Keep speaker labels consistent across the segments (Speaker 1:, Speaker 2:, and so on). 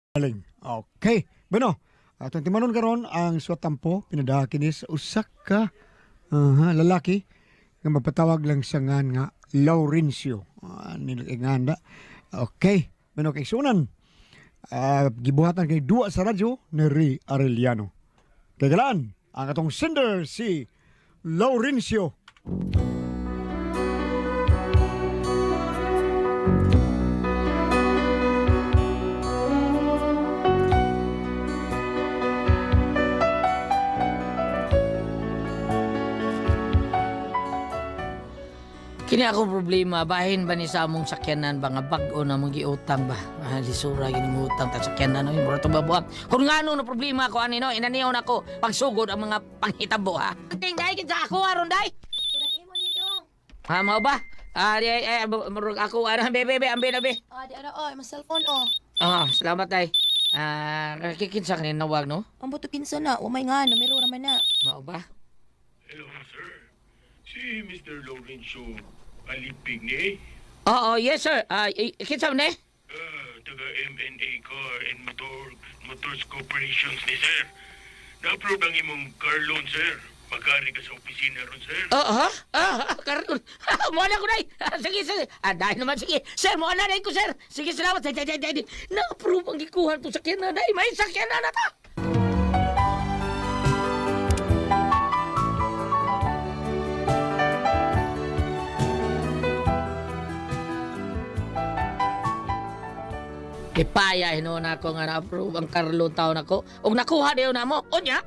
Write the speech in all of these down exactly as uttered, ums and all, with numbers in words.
Speaker 1: Galing. Okay. Bueno, atong timanon karon ang suwatampo pinadaha kini sa usa ka aha, lalaki nga mapatawag lang sa ngan nga Laurencio. Uh, nilinganda. Okay. Bueno, kay sunan. Uh, gibuhatan kay duwa sa radyo ni Ray Arellano. Kay galaan, ang atong sender si Laurencio.
Speaker 2: Kini akong problema, bahin ba ni sa among sakyanan ba nga bag-o na mong giutang ba? Ah, lisura gini mo utang ta sakyanan no, mura to babuhat. Kung ngano no problema ko ani no, inaniyon ako pagsugod ang mga panghitabo ha. Ting dai gid sa ako aron dai.
Speaker 3: Kudak imo ni dong.
Speaker 2: Ha mao ba? Ah, di ay murag ako ara bebe bebe ambe na be.
Speaker 3: Ah, di ara oy, mas cellphone oh.
Speaker 2: Ah, salamat dai. Ah, kikinsa kanin nawag no?
Speaker 3: Ang buto kinsa na, o may nga, numero raman na.
Speaker 2: Mao ba?
Speaker 4: Hello, sir. Si mister Laurencio Alipig ni
Speaker 2: Oo, yes sir. Ah, kinsa man eh?
Speaker 4: uh, taga M N A Car and Motor Motors Corporations ni sir. Na-approve ang imong car loan, sir. Magkari ka sa opisina ron, sir.
Speaker 2: Oo, ha? Ah, karon. Mo na ko dai. Sige, sige. Ah, dai naman sige. Sir, mo na dai ko, sir. Sige, salamat. Dai, dai, dai. Na-approve ang gikuha to sakyanan dai. May sakyanan na ta. Ipaya hino na ako nga na-approve ang karlo taon ako. Og nakuha dayon na mo. Unya.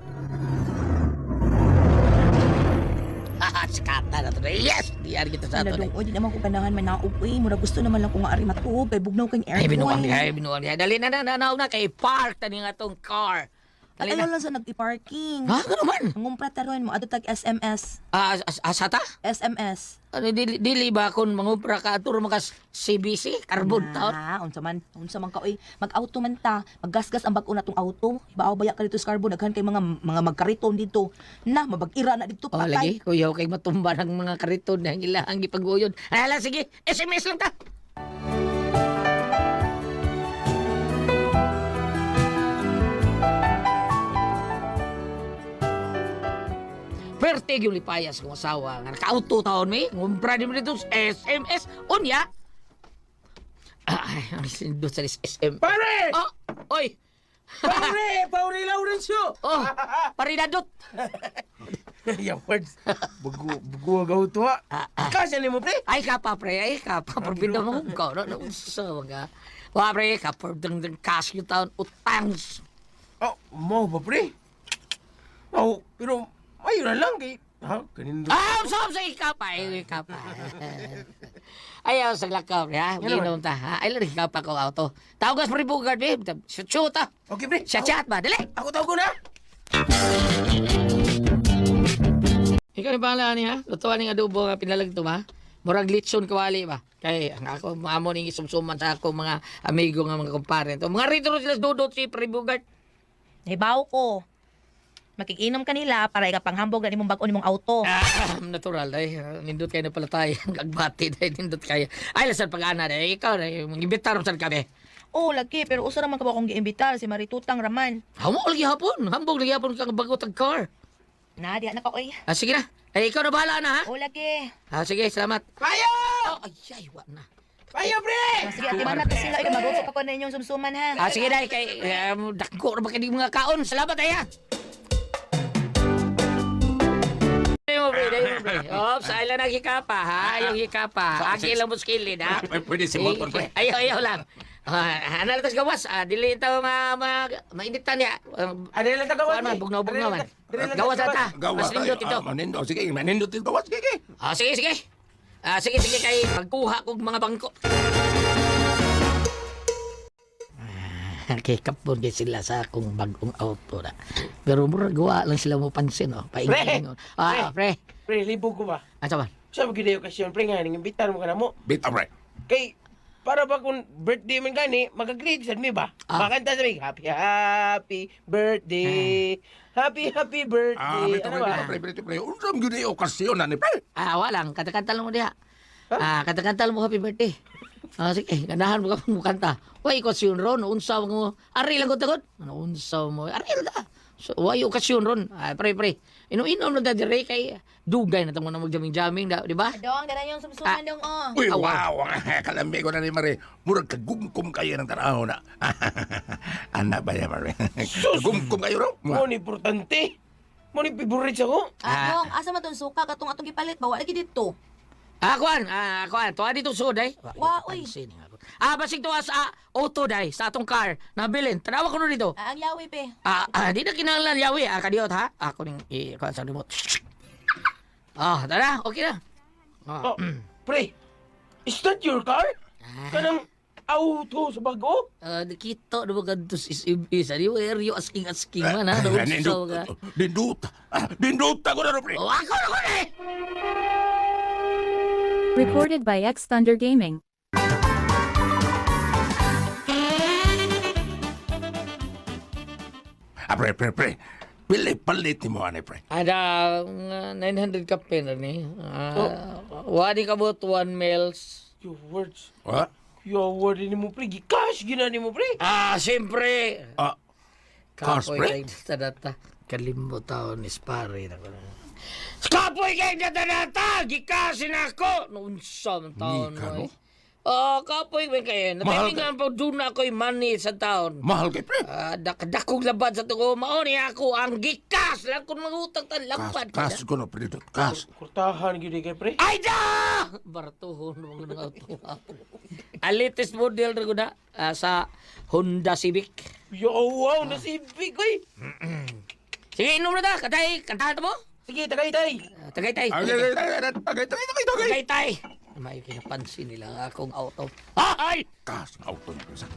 Speaker 2: Haha, skata na to. Yes! Di ari kita sa
Speaker 3: Ano
Speaker 2: ato.
Speaker 3: dong, o di naman ko ganahan manaog eh. Mura gusto naman lang ko nga ari matuog. Kay bugnaw kang
Speaker 2: Ay, binuang
Speaker 3: aircon.
Speaker 2: niya, ay, binuang niya. Dali na na, nanaw na kay park tani nga tong car. Dali
Speaker 3: Ayaw
Speaker 2: na.
Speaker 3: lang sa nag-parking.
Speaker 2: Ha? Ano man?
Speaker 3: Ang umpra taron mo, ato tag S M S.
Speaker 2: Ah, as, asata?
Speaker 3: S M S.
Speaker 2: Ano, dili, dili ba kung mangupra ka aturo makas C B C? Carbon taon?
Speaker 3: Ah, unsa man, unsa man ka oy. Mag-auto man ta, maggasgas ang bag-o natong auto. Ibaaw baya ka dito sa carbon, daghan kay mga mga magkariton dito. Na, mabag-ira na dito
Speaker 2: Oh,
Speaker 3: patay.
Speaker 2: lagi. Kuyaw kay matumba ng mga kariton na ilang gipag-uyon. Ay, ala, sige. S M S lang ta. Pertig yung lipayas kong asawa. Nga naka-auto taon may. Ngumpra din mo dito sa S M S. Unya. Ay, ang sindot sa S M.
Speaker 5: Pare!
Speaker 2: Oh, oy.
Speaker 5: Pare! Pare Laurencio!
Speaker 2: Oh, parinadot.
Speaker 5: Yung words. Bugu, bugu agaw to ha. Kasya ni mo, pre?
Speaker 2: Ay ka pa, pre. Ay ka pa. Parbida mo ko. No, no, so, mga. Wa, pre. Kapar dang dang cash yung taon. Utangs.
Speaker 5: Oh, mo ba, pre? Oh, pero ayun na lang kay... Ha? Kanin doon.
Speaker 2: Ah, so, so, ikaw pa. Ay, ikaw pa. Ayaw, saglag ka, pre, ha? Ginom ta, ha? Ay, lang, ikaw pa ko auto. Tawagas mo rin bugard, babe. Shoot, shoot, ha?
Speaker 5: Okay, pre.
Speaker 2: Siya chat ba? Dali.
Speaker 5: Ako tawag ko na.
Speaker 2: Ikaw ni pala ni ha? Lutuan ni adobo nga pinalag to ha? Murag litson kawali ba? Kay ang ako maamo ning isumsuman sa ako mga amigo nga mga kumpare to. Mga rito sila dudot si Pribugart.
Speaker 3: Hibaw ko. Makikinom ka nila para ikapanghambog na nimong bag-o nimong auto.
Speaker 2: Ah, natural ay nindot kayo na pala tayo. Agbati dahil nindot kayo. Ay lasan pag-ana dahil ikaw na mag-imbitar saan kami.
Speaker 3: Oo, lagi. Pero usa naman ka ba akong giimbitar si Maritutang Raman.
Speaker 2: Hamo lagi hapon. Hambog lagi hapon kang bago tag car.
Speaker 3: Na, di na ka, oy.
Speaker 2: Ah, sige na. Ay, ikaw na bahala na ha?
Speaker 3: Oo, lagi.
Speaker 2: Ah, sige, salamat.
Speaker 5: Payo!
Speaker 2: Oh, ay, ay, wa na.
Speaker 5: Payo, pre!
Speaker 3: Ah, sige, atiman natin sila. Ikaw, mag-usap ako na inyong sumsuman, ha?
Speaker 2: Ah, sige na, kay um, dako na ba kayo mga kaon? Salamat ay ha. Mo bre, dai mo bre. Oh, sa ila nagikapa ha, yung hikapa. Agi lang mo skillin ha.
Speaker 5: Ay, pwede si motor, pre.
Speaker 2: Ayaw, ayaw lang. Ah, ano tas gawas? Ah, dili ito ma ma mainitan niya. Um,
Speaker 5: Ano lang tagawas,
Speaker 2: Kuan man, bugnaw-bugnaw man. Gawas ata.
Speaker 6: Gawas
Speaker 2: Mas nindot ito.
Speaker 6: Manindot. Sige, manindot ito. Gawas, sige.
Speaker 2: Ah, sige, sige. Ah, sige, sige kay magkuha kog mga bangko. Ah, kay kapon kay sila sa akong bagong auto na. Pero mura gawa lang sila mo pansin oh. Paingin. Ah, pre.
Speaker 5: Pre, libo ko ba?
Speaker 2: Asa man?
Speaker 5: Sa mga okasyon, pre, nga, nang imbitar mo ka na mo.
Speaker 6: Bita, pre.
Speaker 5: Kay, para ba kung birthday man gani, mag-agree sa mi ba?
Speaker 2: Ah.
Speaker 5: Makanta sa mi, happy, happy birthday. Happy, happy
Speaker 6: Ah,
Speaker 5: birthday.
Speaker 6: bita,
Speaker 5: Ano
Speaker 6: pre,
Speaker 5: ba?
Speaker 6: bita, pre, bita, pre. Unsam yun yung okasyon na ni, pre.
Speaker 2: Ah, walang. Kanta-kanta lang mo diha. Ah, kanta-kanta lang mo happy birthday. Ah, sige, ganahan mo ka mo kanta. Way okasyon ron, unsa mo. Ari lang ko tagod. Ano unsa mo? Ari lang ta. So, way okasyon ron. Ay, pre, pre. Ino-inom na da dire kay dugay na tamo na magjaming-jaming, da, di ba?
Speaker 3: Dong, ganun yung sumsuman dong, oh.
Speaker 6: Uy,
Speaker 2: Awa.
Speaker 6: wow! Kalambi ko na ni Mare. Murag kagumkum kayo ng tanaw na. Anak ba niya, Mare? Kagumkum kayo ro?
Speaker 5: Mo ni importante. Mo ni favorite ako.
Speaker 3: Ah, dong, asa man tong suka katong atong gipalit ba? Wala lagi dito.
Speaker 2: Ah, kuan, ah, kuan, tuwa dito sud ay.
Speaker 3: Wa, uy.
Speaker 2: Ah, basig tuwa sa auto day sa atong car. Nabilin. Tanawa ko no dito.
Speaker 3: Ah, ang yawi, pe.
Speaker 2: Ah, ah, di na kinahanglan yawi. Ah, kadiot ha. Ako ning i kuan sa remote. Ah, tara, okay na. Ah,
Speaker 5: Oh, pre, is that your car? Kanang auto sa bago?
Speaker 2: ah, nakita na ba gantos is ibis. Ano yung area asking asking man ha. Naunsaw
Speaker 6: Dindut.
Speaker 2: ka.
Speaker 6: Dindut. Ah, Dindut ako na ro, pre.
Speaker 2: Oh, ako na ko na eh.
Speaker 7: Recorded by X Thunder Gaming.
Speaker 6: Ah, pre, pre, pre. Pili palit ni mo, ane, pre.
Speaker 2: Ada uh, nine hundred ka pen ni. Ah, wadi ka bot one mils.
Speaker 5: Your words.
Speaker 6: Ha?
Speaker 5: Your word ni mo, pre. Gikash gina ni mo, pre.
Speaker 2: Ah, siyempre.
Speaker 6: Ah, Cars,
Speaker 2: Kapoy
Speaker 6: pre?
Speaker 2: kay data kalimbo taon ni Spare na ko. Kapoy kay data gikasin ako noon sa taon
Speaker 6: Nika,
Speaker 2: mo.
Speaker 6: no?
Speaker 2: Ah, kapoy kay kay
Speaker 6: Mahal
Speaker 2: natimingan pa doon na ako'y money sa taon.
Speaker 6: mahal kay, pre.
Speaker 2: Ah, dakadakog labad sa tuko mao ni ako ang gikas lang kun mangutang tan
Speaker 6: Kas,
Speaker 2: lapad.
Speaker 6: kas ko na, pre. Dindut. Kas.
Speaker 5: Kurtahan gini kay, pre.
Speaker 2: Ay da! Bartuhon mo ng auto. Alitis model na ko na ah, sa Honda Civic.
Speaker 5: Yo, wow, nasibig, oy.
Speaker 2: Sige, inom na ta. Katay, kantahan mo.
Speaker 5: Sige, tagay, tay.
Speaker 2: Ah, Tagay-tay.
Speaker 6: Ay, ay, ay, ay, ay, tagay, tagay, tagay, tagay.
Speaker 2: Tagay-tay. May kinapansin nila akong auto. Ay!
Speaker 6: Kas, auto niya, pre.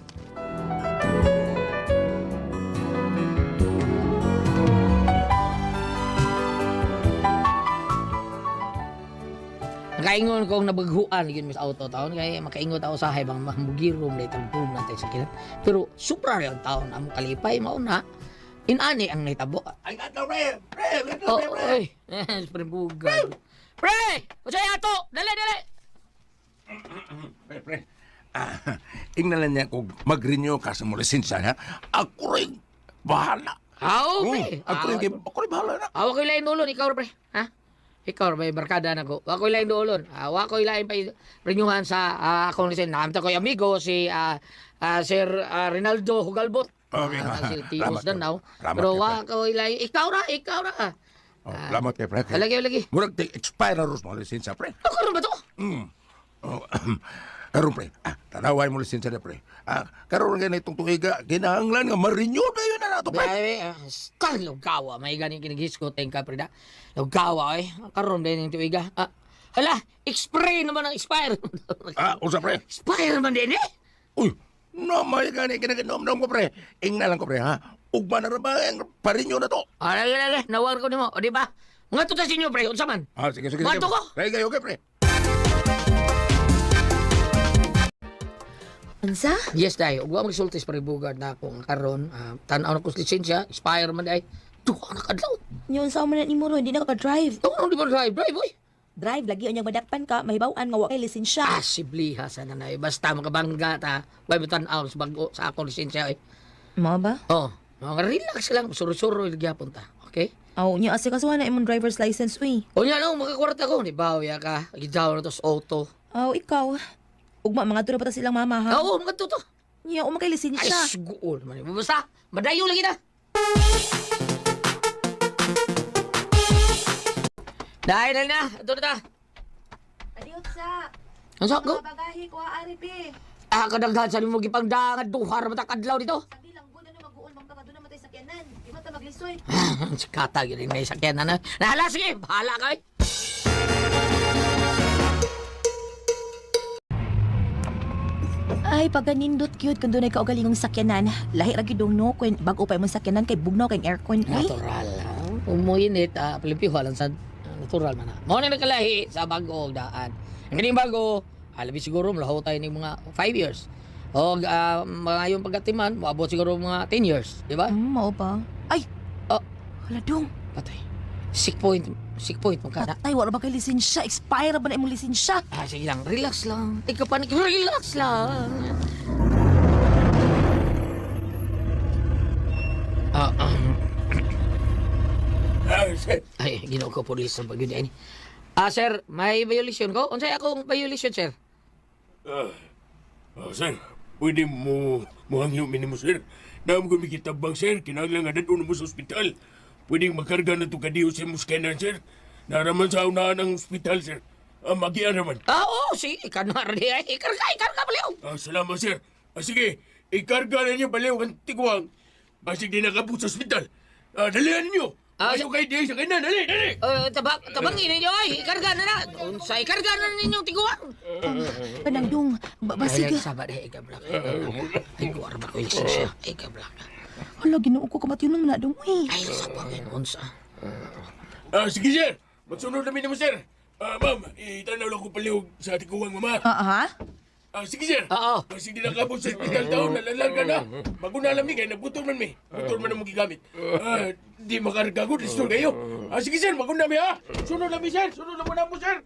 Speaker 2: Nakaingon kong nabaghuan yun sa auto taon kaya makaingot ako sa bang mamugirom na itong boom natin sa kilat. Pero supra rin ang taon ang kalipay mauna. Inani ang naitabo.
Speaker 6: Ay, gatlo, pre. Pre, gatlo,
Speaker 2: Oh,
Speaker 6: pre, pre.
Speaker 2: oy. Eh, pre bugad. Pre! Usay ato! Dali, dali!
Speaker 6: Pre, pre. Ah, ingnalan niya kung mag-renew ka sa mo lisensya, ha? Ako rin bahala.
Speaker 2: Aw,
Speaker 6: Hmm,
Speaker 2: pre!
Speaker 6: ako rin, ako rin bahala na.
Speaker 2: Awa ko ilayin dulon, ikaw pre. Ha? Ikaw may barkada na ko. Awa ko ilayin dulon. Awa ko ilayin pa renyuhan sa uh, akong lisen. Nakamta ko yung amigo, si ah, ah, Sir ah, Rinaldo Hugalbot.
Speaker 6: Okay.
Speaker 2: Ah, si Tios
Speaker 6: Salamat,
Speaker 2: Danaw.
Speaker 6: salamat,
Speaker 2: Pero
Speaker 6: pre.
Speaker 2: wa ko ilayin. Ikaw ra, ikaw ra.
Speaker 6: Oh, salamat kay pre.
Speaker 2: Lagi, lagi.
Speaker 6: Murag te expire na ros mo lisensya, pre.
Speaker 2: Ako rin ba to?
Speaker 6: Mm. Oh, karon pre. Ah, tanaway mo lisensya na pre. Ah, karon nga itong tuiga, kinahanglan nga ma-renew na yun na nato, pre.
Speaker 2: Bebe, skal lugawa. May ganing kinighisko tayong ka, pre da. Lugawa, eh. Karon din yung tuwiga. Ah, hala, expire naman ang expire.
Speaker 6: Ah, usa pre.
Speaker 2: Expire naman din eh.
Speaker 6: Uy, namay gani kinaganom-nom ko pre. Ingna lang ko pre, ha. Ugma na ra ba ang pa-renew na to?
Speaker 2: Ah, lagi, lagi. Nawar ko ni mo. O, di ba? Mga tutas inyo, pre. Unsa man?
Speaker 6: Ah, sige, sige, sige.
Speaker 2: Mato ko.
Speaker 6: Kaya kayo, okay, pre.
Speaker 3: Unsa?
Speaker 2: Yes, day. Ug wa magsultis pre bugad na akong karon. Uh, tan-aw na ko sa lisensya. Expire man day. Duha na kadlaw.
Speaker 3: Yung sa man ni mo ro, hindi na ka drive.
Speaker 2: Ano di ba drive? Drive, boy.
Speaker 3: Drive lagi unyang madakpan ka, mahibaw-an nga wa kay lisensya.
Speaker 2: Ah, sibliha sa nanay. Basta makabangga ta. Way mo tan-aw sa bago sa akong lisensya. Eh.
Speaker 3: Mo ba?
Speaker 2: Oh, mga relax lang. Suro-suro gyapon ta. Okay?
Speaker 3: Aw, nya asa kasuhan na imong driver's license uy.
Speaker 2: O nya no, makakwarta ko. Ni bawya ka. Gidaw na to sa auto.
Speaker 3: Aw, ikaw. Ugma mga dura pa ta silang mama ha.
Speaker 2: Oo, mga tuto.
Speaker 3: Nya o makay
Speaker 2: Ay,
Speaker 3: lisensya.
Speaker 2: sugoon man. Basta, madayo lagi na. Dahil dahil na. Ito na ta.
Speaker 3: Adios sa.
Speaker 2: Ang sakgo?
Speaker 3: bagahe ko ari pe.
Speaker 2: Ah, kadaghan sa mo gipangdangan duhar mata kadlaw dito.
Speaker 3: Sabi lang gud ano mag-uon bang taga doon matay sakyanan. Di ba ta maglisoy?
Speaker 2: Si Kata yun may sakyan na na. Nahala, sige, bahala ka eh.
Speaker 3: Ay, paganindot cute kung doon ay kaugalingong sakyanan. Lahi ra gyud dong no kung bago pa imong sakyanan kay bugnaw kay aircon uy.
Speaker 2: Natural, ha? Umuinit, ah, pilipiho lang sa ah, natural man ha. Mao na nagkalahi sa bago og daan. Ang ganing bago, alabi siguro malaho tayo ng mga five years. O ah, mga yung pagkatiman, maabot siguro mga ten years, di ba?
Speaker 3: Hmm, mao ba? Ay,
Speaker 2: Oh,
Speaker 3: hala dong.
Speaker 2: patay. Sick point. Sick point mo ka na.
Speaker 3: Patay, wala ba kay lisensya? Expire ba na imong lisensya?
Speaker 2: Ah, sige lang, relax lang. Ikaw panik, relax lang. Ah, um,
Speaker 5: Ah, sir.
Speaker 2: ay, ginoo ko pulis sa pag ini. Ah, sir, may violation ko? Unsay akong violation, sir?
Speaker 5: Ah, ah, sir, pwede mo muhangyo minimo, sir. Naam ko mikitabang, sir. Kinahanglan nga dadun mo sa ospital. Pwede magkarga na ito kadiyo sa muskanan, sir. Naraman sa unahan ng ospital, sir. Ah, magian naman.
Speaker 2: Ah, oo, sige, kanar di ay. Ikarga, ikarga, baliw.
Speaker 5: Ah, salamat, sir. Ah, sige, ikarga na niyo baliw ang tiguang. Basig di nakabot sa ospital. Ah, dalihan niyo.
Speaker 2: Ah,
Speaker 5: Ayaw kayo di sa kanan, dali, dali.
Speaker 2: Uh, tabang, tabangin ninyo ay, ikarga na na. Unsay, ikarga na ninyong tiguan.
Speaker 3: Panagdong, ba, ba sige.
Speaker 2: Ay, sabat, ay, ikablak. Ay, kuwar ba ko yung lisensya? Ay, ikablak.
Speaker 3: Hala, ginoo ko kamatiyon na dong, uy.
Speaker 2: Ay, sabang yun, unsa.
Speaker 5: Ah, sige, sir. Magsunod namin naman, sir. Ah, ma'am, itanaw lang ko paliw sa tiguang mama.
Speaker 3: Ah, ha?
Speaker 5: Ah, sige, sir.
Speaker 2: Oo.
Speaker 5: Basig di nakabot sa ospital taon, nalalarga na. Bago na alam ni kayo, nabutol man mi. Butol man ang mong gigamit. Ah, di makarga ko, restore kayo. Ah, sige, sir, bago na mi, ha? Sunod na mi, sir. Sunod na mo na po, sir.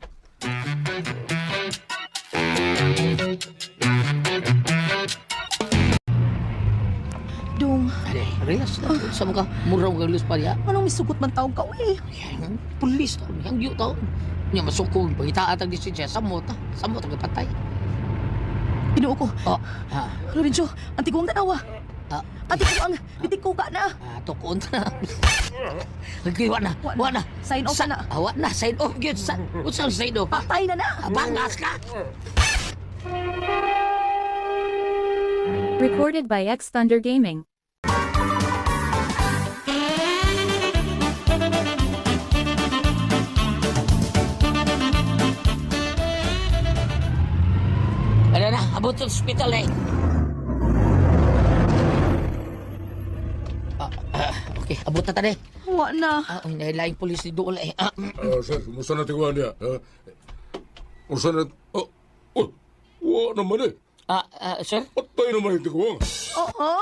Speaker 3: Dong,
Speaker 2: Ay, relax lang. Sa mga muraw kang lus pa niya.
Speaker 3: anong misugot man taong ka, uy?
Speaker 2: Yan, pulis taon, yang yu taon. Nya masukong, pangitaan ang lisensya, samot ha. Samot ang patay.
Speaker 3: Ginoo ko.
Speaker 2: Oh, ha.
Speaker 3: Lorenzo, anti ko ang tanawa.
Speaker 2: Ah,
Speaker 3: Anti ko ang, bitik ko ka na.
Speaker 2: ah, tukon na. Okay, wa na,
Speaker 3: Wa na.
Speaker 2: wa na.
Speaker 3: Sign off
Speaker 2: Sa-
Speaker 3: na.
Speaker 2: Ah, wa na, sign off yun. Sa, unsang sign off? Ah,
Speaker 3: Patay na na.
Speaker 2: bangas ka.
Speaker 7: Recorded by X Thunder Gaming.
Speaker 2: Ano na, abot sa hospital eh. Ah, ah, okay, abot na tani.
Speaker 3: Wa na.
Speaker 2: Ah, ang nahilaing pulis ni Dool eh. Ah,
Speaker 6: Ah, sir, kumusta na tiguan niya? Ha? Kumusta na... Oh, oh, wa naman eh.
Speaker 2: ah, ah, sir?
Speaker 6: Patay naman yung tiguan.
Speaker 3: Oo?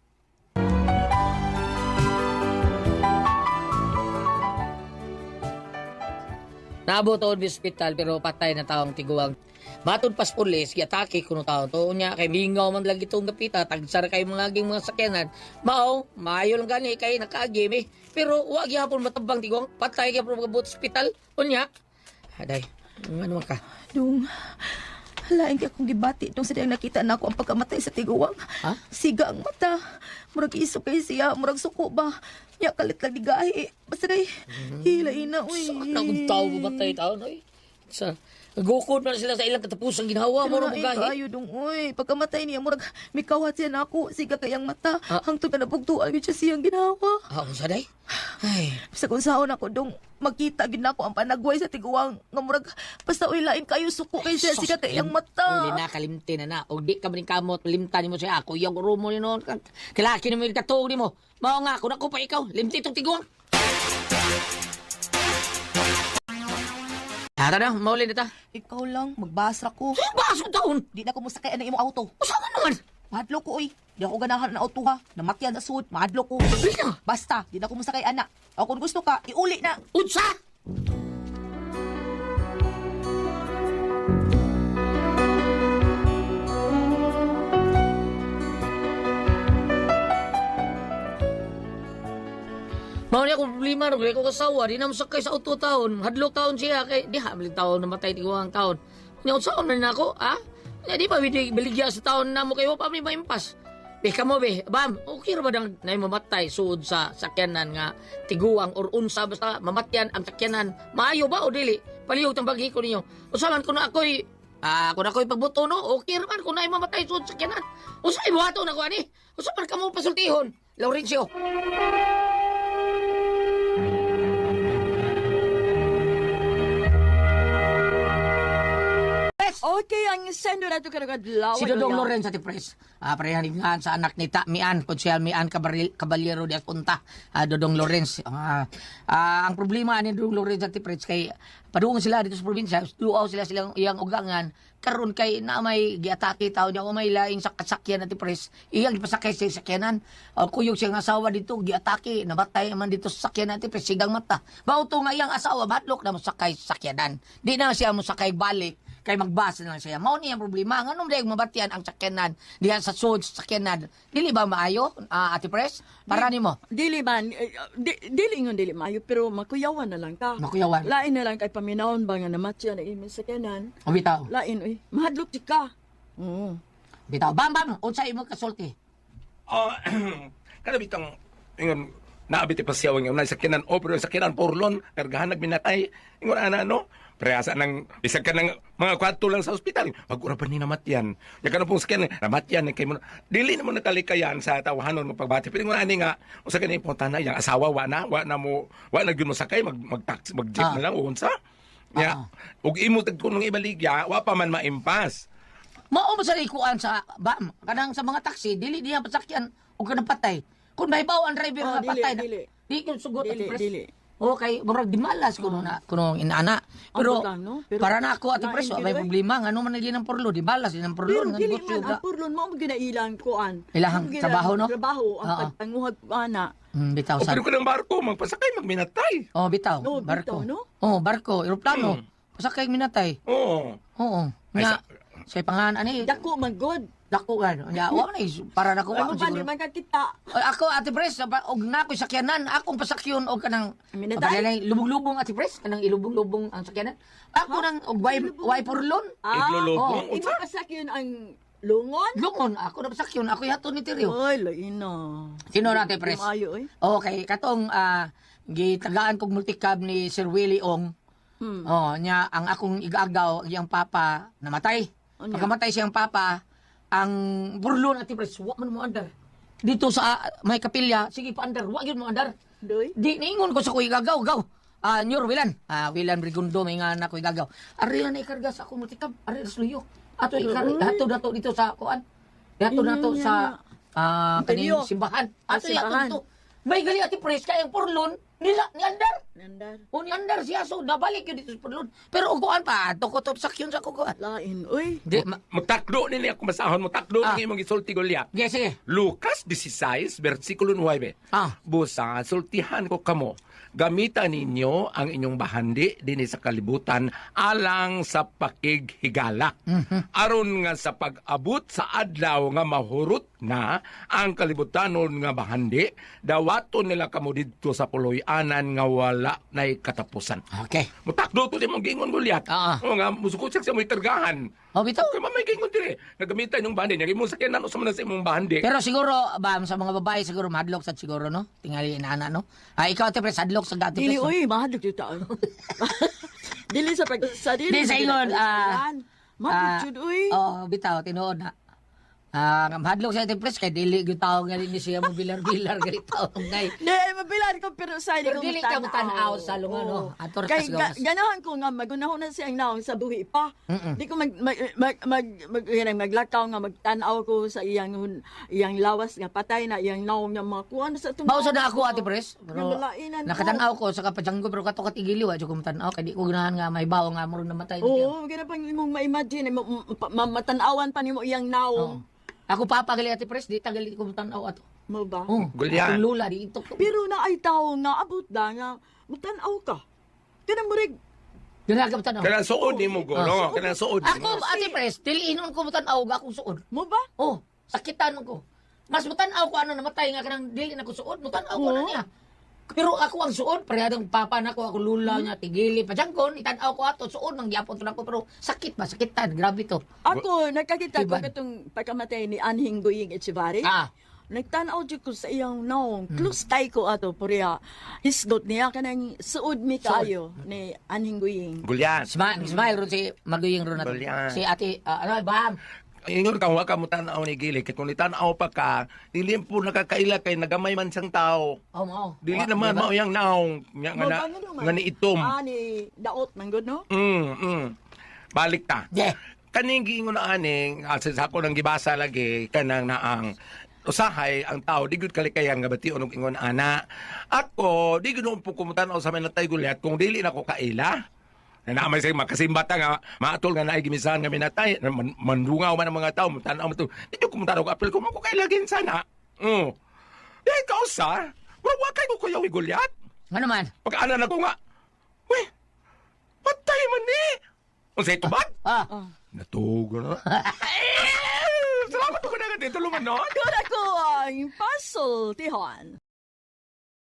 Speaker 2: Naabot to sa hospital pero patay na taong tiguang. Matod pas pulis, giatake kuno taon to unya kay mingaw man lagi itong gapita, tagsara kay mga aging mga sakyanan. Mao, maayo lang gani kay nakaagim eh. Pero wa gyapon matabang tiguang, patay gyapon magabot sa hospital. Unya. Aday, ano man ka?
Speaker 3: Dong, lain kay akong gibati nung sadiyang nakita na ako ang pagkamatay sa tiguwang.
Speaker 2: Ha?
Speaker 3: Siga ang mata. Murag iso kay siya, murag suko ba. Nya kalit lang digahi. Basta kay hilay na, uy.
Speaker 2: Saan ang tao mamatay taon oy? Sa gukod man sila sa ilang katapusang ginawa mo
Speaker 3: Lain
Speaker 2: ro gahi.
Speaker 3: kayo dong, uy. Pagkamatay niya, murag mikawat siya na ako. Siga kayang mata.
Speaker 2: Ah.
Speaker 3: Hangtod na napugtuan yun siya siyang ginawa.
Speaker 2: Ah, unsa day? Ay,
Speaker 3: Sa kung saan ako dong makita gid nako ang panagway sa tiguwang nga murag basta uy lain kayo suko kay siya siga kayang mata.
Speaker 2: Uli na, kalimti na na. O di ka maning kamot, limtan mo siya ako. Yung rumo ni noon. Kilaki na mo yung katong ni mo. Mao nga, kung ako pa ikaw, limti itong tiguang. Tara na, mauli na ta.
Speaker 3: Ikaw lang magbasra ko.
Speaker 2: Basong taon.
Speaker 3: Di na ko musakay ang imong auto.
Speaker 2: Usaman naman.
Speaker 3: Mahadlo ko oy. Di ako ganahan na auto ha. Namatyan na sud. Mahadlo ko.
Speaker 2: Sabi na.
Speaker 3: Basta, di na ko musakay ana. O kung gusto ka, iuli na.
Speaker 2: Unsa? Mao niya akong problema no, kaya ko kasawa, di na masakay sa auto taon. Hadlok taon siya, kay di habiling taon namatay tiguang taon. Nya unsa man na ako, ha? Nya di pa bidi beligya sa taon na mo kayo pa mi maimpas. Be kamo be, bam, okay ra ba dang nay mamatay suod sa sakyanan nga tiguang or unsa basta mamatyan ang sakyanan. Maayo ba o dili? Palihog tang bagi ko ninyo. Unsa man kuno ako'y ah, kuno ako'y pagbuto no, okay ra man kuno ay mamatay suod sa sakyanan. Unsa ay buhaton ako ani? Unsa man kamo pasultihon? Laurencio.
Speaker 8: Okay, ang sendo na ito ka nagkadlaw.
Speaker 2: Si Dodong Lorenz Ate Pres. Ah, parehaningan sa anak ni Ta Mian, Konsyal Mian Cabaril- Caballero de Apunta, ah, Dodong Lorenz. Ah, ah, ang problema ni Dodong Lorenz Ate Pres kay padung sila dito sa probinsya, duaw sila silang iyang ugangan karon kay na may giatake tao niya o may laing sa kasakyan Ate Pres. Iyang gipasakay sa sakyanan. Uh, kuyog siyang asawa dito giatake, nabatay man dito sa sakyanan Ate Pres, sigang mata. Bauto nga iyang asawa batlok na mosakay sa sakyanan. Di na siya mosakay balik kay magbasa na lang siya. Mao ni ang problema. Nganong dayong mabatian ang sakyanan diha sa sud sa sakyanan. Dili ba maayo, ah, Ate Pres? Para nimo.
Speaker 8: Dili man, eh, di, dili ngon dili maayo, pero makuyawan na lang ka.
Speaker 2: Makuyawan.
Speaker 8: Lain na lang kay paminawon ba nga namatya na imin sa kanan.
Speaker 2: O bitaw.
Speaker 8: Lain, uy, mahadlok di ka. Oo.
Speaker 2: Bitaw. Bam bam, unsa imo kasulti?
Speaker 6: Ah, kada bitang ingon naabit pa siya wang yung sakyanan o pero yung sakyanan porlon kargahan nagminatay ingon ana no preasa ng bisag ka ng mga kwarto lang sa ospital pag-ura pa ni namatyan ya ka na pong sakyanan namatyan kay mo dili na mo nakalikayan sa tawahanon ng pagbati pero ingon ani nga usa ka ni puntana yang asawa wa na wa na mo wa na gyud mo sakay mag mag taxi mag jeep
Speaker 2: Ah.
Speaker 6: na lang o unsa ya
Speaker 2: Ah.
Speaker 6: ug imo tagkunong ibaligya wa pa man maimpas.
Speaker 2: Mao ba sa ikuan sa bam kanang sa mga taxi dili diha pasakyan o kanang patay. Kung mahibaw ang driver
Speaker 8: Oh,
Speaker 2: nga
Speaker 8: dili,
Speaker 2: patay na.
Speaker 8: dili.
Speaker 2: Di ko sugot
Speaker 8: Dili,
Speaker 2: Ate Pres.
Speaker 8: dili.
Speaker 2: Okay, murag di malas kuno na kuno inaana. Pero,
Speaker 8: Ambot lang, no? Pero
Speaker 2: para na ako Ate
Speaker 8: lain
Speaker 2: Pres,
Speaker 8: gyud,
Speaker 2: may
Speaker 8: eh.
Speaker 2: problema ngano man naging ng porlo, di balas din ang porlo
Speaker 8: Pero
Speaker 2: nga
Speaker 8: dili
Speaker 2: negosyo
Speaker 8: man,
Speaker 2: ga.
Speaker 8: ang purlon mo ang ginailang kuan.
Speaker 2: Ilahang
Speaker 8: Ang gina-
Speaker 2: trabaho, no?
Speaker 8: Trabaho, ang
Speaker 2: Oo.
Speaker 8: pagtanguhag ana.
Speaker 2: Hmm, bitaw
Speaker 6: O
Speaker 2: sa.
Speaker 6: pero ko ng barko magpasakay magminatay.
Speaker 2: Oh, bitaw.
Speaker 8: No,
Speaker 2: barko.
Speaker 8: bitaw, no?
Speaker 2: Oh, barko, eroplano. Pasakay minatay.
Speaker 6: Oo.
Speaker 2: Oo.
Speaker 6: Ay,
Speaker 2: Nga,
Speaker 6: sa-
Speaker 2: sa pangalan ani.
Speaker 8: Dako man god.
Speaker 2: Dako gan. Ya, wa man is- para nako
Speaker 8: Ano
Speaker 2: wa
Speaker 8: ba
Speaker 2: siguro.
Speaker 8: ni man ka kita?
Speaker 2: Ay, ako Ate Pres, ba- og na ko'y sakyanan, akong pasakyon og kanang
Speaker 8: Minatay?
Speaker 2: pabalay lubong-lubong Ate Pres, kanang ilubong-lubong ang sakyanan. Ako nang og way way purlon.
Speaker 6: Iglulubong.
Speaker 2: Oh,
Speaker 8: Imo pasakyon ang lungon?
Speaker 2: Lungon ako na pasakyon, ako yato ni Tirio.
Speaker 8: Ay, lain na.
Speaker 2: Sino na Ate Pres?
Speaker 8: Maayo, eh.
Speaker 2: Okay, katong ah, gitagaan kog multicab ni Sir Willie Ong.
Speaker 8: Hmm.
Speaker 2: Oh, nya ang akong igagaw, ang iyang papa namatay.
Speaker 8: Ano?
Speaker 2: Pagkamatay siyang papa, ang burlon Ate Pres, wa man mo andar. Dito sa ah, may kapilya, sige pa andar, wa gyud mo andar.
Speaker 8: Doy?
Speaker 2: Di niingon ko sa kuy gagaw, gaw. Ah, Nyor Wilan. Ah, Wilan Brigundo may nga na kuy gagaw. Ari na ikarga sa akong multicab, ari sluyo. Ato ikar ato dato dito sa kuan. Dato nato
Speaker 8: Mm,
Speaker 2: sa ah kaning
Speaker 8: Interior.
Speaker 2: simbahan.
Speaker 8: Ah,
Speaker 2: Ato yato
Speaker 8: simbahan.
Speaker 2: dito. May gali Ate Pres kay ang porlon nila ni andar.
Speaker 8: Nandar.
Speaker 2: O ni andar siya so nabalik yun dito sa porlon. Pero og kuan pa, ato ko top sakyon sa kukuan.
Speaker 8: Lain, uy.
Speaker 2: Di, ma-
Speaker 6: Magtakdo nila ako masahon mo takdo
Speaker 2: Ah.
Speaker 6: ng imong gisulti Goliath.
Speaker 2: Sige, sige.
Speaker 6: Lucas sixteen versikulo nine.
Speaker 2: Ah.
Speaker 6: Busa sultihan ko kamo. Gamitan ninyo ang inyong bahandi dinhi sa kalibutan alang sa pakighigala. Aron nga sa pag-abot sa adlaw nga mahurot na ang kalibutanon nga bahandi, dawaton nila kamo didto sa puloy-anan nga wala nay katapusan.
Speaker 2: Okay.
Speaker 6: Mutakdo to di mong gingon Goliath.
Speaker 2: Ah.
Speaker 6: O nga musukot siya sa mo'y kargahan.
Speaker 2: O bitaw.
Speaker 6: Kaya mamay gingon dire. Nagamitan yung bahandi. Naging mo sakyanan o sa mga sa imong bahandi.
Speaker 2: Pero siguro, ba, sa mga babae, siguro madlock sa siguro, no? Tingali inana, no? Ah, ikaw, Ate Pres, hadlock sa dati,
Speaker 8: Dili,
Speaker 2: Pres, no?
Speaker 8: uy, mahadlok yung taon. Dili sa pag... Sa dili.
Speaker 2: Di sa ingon, ah,
Speaker 8: Mahadlok
Speaker 2: ah,
Speaker 8: yun, uy.
Speaker 2: Oh, bitaw, tinuod na. Ah, hadlock sa Ate Pres, kay dili yung tao nga rin ni siya mo bilar-bilar, ganit tao ngay.
Speaker 8: Di, mabilan ko pero sa
Speaker 2: Pero dili ka mo tanaw sa lunga, no? Ator
Speaker 8: Kay
Speaker 2: kas
Speaker 8: ga,
Speaker 2: gawas.
Speaker 8: ganahan ko nga magunahon na siyang naong sa buhi pa.
Speaker 2: Mm-mm.
Speaker 8: Di ko mag mag mag, mag, mag, yan, maglakaw nga magtanaw ko sa iyang hun- iyang lawas nga patay na iyang naong nga mga kuan sa tumao.
Speaker 2: Mausa na ako, Ate Pres. Pero
Speaker 8: Yung balainan ko.
Speaker 2: nakatanaw ko sa kapajanggo, pero kato katigiliw, at ko matanaw, kay di ko ganahan nga may bawa nga mo namatay. na siya.
Speaker 8: Oo, gana pang imong ma-imagine ma- ma- ma- matanawan pa nimo iyang naong.
Speaker 2: Oo. Ako papagali Ate Pres, di tagali ko matanaw ato.
Speaker 8: Mo ba?
Speaker 2: Oh,
Speaker 6: Gulyan.
Speaker 2: akong lula, di ito.
Speaker 8: Pero na ay tao nga abot da nga mutanaw ka. Kanang murig
Speaker 2: Dira ka matanaw.
Speaker 6: Kaya suod ni mo
Speaker 2: Ah,
Speaker 6: golo. Kaya suod.
Speaker 2: Ako, Ate Pres, diliinon ko matanaw, akong suod.
Speaker 8: mo ba?
Speaker 2: Oh, sakitan ko. Mas mutanaw ko ano namatay nga kanang dili na ko suod, mutanaw ko na
Speaker 8: Oo.
Speaker 2: niya. Pero ako ang suod, parehadong papa na ko, ako lula niya, tigili, padyangkon, itanaw ko ato, suod, nang gyapon to na ko, pero sakit ba, sakitan, grabe to.
Speaker 8: Ako nakakita ko
Speaker 2: Iban.
Speaker 8: katong pagkamatay ni Anhing Guying Echevarri.
Speaker 2: Ah,
Speaker 8: Nagtanaw jud ko sa iyang naong. Close tay ko ato puriya. Hisgot niya kanang suod mi kayo ni Anhing Guying.
Speaker 6: Gulyan.
Speaker 2: smile, smile ron si Maguying ron nato.
Speaker 6: Gulyan.
Speaker 2: Si ate, ah, ano, bam,
Speaker 6: Ingon ka, huwag ka mo tanaw ni Gili. Kaya kung itanaw pa ka, dili po nakakaila kay nagamay man siyang tao.
Speaker 2: oh, mao.
Speaker 6: Dili
Speaker 2: Wa-
Speaker 6: naman
Speaker 2: diba?
Speaker 6: mao yang naong. Nga nga na,
Speaker 8: Mo ba, ano naman?
Speaker 6: nga ni itom.
Speaker 8: Ah, ni Daot man gud no?
Speaker 6: Mm, mm. Balik ta.
Speaker 2: Yeah.
Speaker 6: kaning giingon na aning, asin sa ako nang gibasa lagi, kanang naang, usahay ang tao, di gud kalikayang nga bati unong ingon ana. Ako, di gud po kumutanaw sa minatay gulyat kung dili na ko kaila. Na naman sa makasimbata nga, maatol nga naay gimisahan nga minatay, man, mandungaw man ang mga tao, mutanaw mo to. Di ko kumutanaw ko, apel ko mo ko kailagin sana. Mm. Di ikaw sa, wawakay ko kuya gulyat.
Speaker 2: Ano man?
Speaker 6: Pagkaanan na ko nga, uy, patay man ni. Unsay tubag?
Speaker 2: Ah,
Speaker 6: Natugo na. Salamat ko na nga dito, tulungan no?
Speaker 8: Kuna ko ang puzzle, Tihan.